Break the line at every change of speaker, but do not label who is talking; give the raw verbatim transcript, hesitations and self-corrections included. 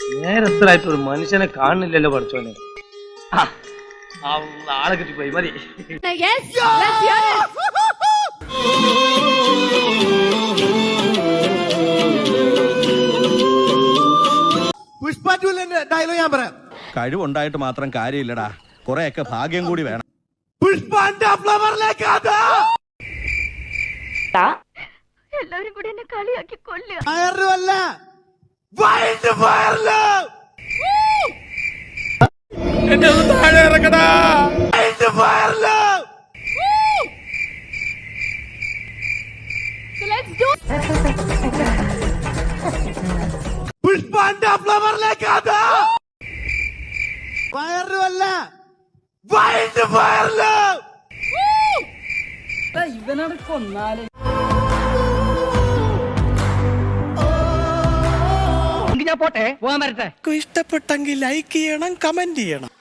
നേരത്തിലായിട്ട് ഒരു മനുഷ്യനെ കാണുന്നില്ലല്ലോ പഠിച്ചോനെ. ആളെ കിട്ടിപ്പോയി മതി.
പുഷ്പന്റെ ഡയലോഗ് ഞാൻ പറയാം.
കഴിവുണ്ടായിട്ട് മാത്രം കാര്യമില്ലടാ, കുറെയൊക്കെ ഭാഗ്യം കൂടി വേണം.
പുഷ്പന്റെ ഫ്ലവറിലേക്ക്
എല്ലാവരും കൂടി എന്നെ കളിയാക്കി കൊല്ലുക.
ഫയറിലല്ല, വൈൽഡ് ഫയറില്
എന്നെ ഒന്ന് താഴെ ഇറക്കടാ.
വൈൽഡ് ഫയറില് പുഷ്പന്റെ ഫ്ലവറിലേക്ക് ഫയറിലല്ല, വൈൽഡ് ഫയറില്
ഇവനോട് കൊന്നാല് ഞാൻ പോട്ടെ, പോകാൻ വരട്ടെ.
ഇഷ്ടപ്പെട്ടെങ്കിൽ ലൈക്ക് ചെയ്യണം, കമന്റ് ചെയ്യണം.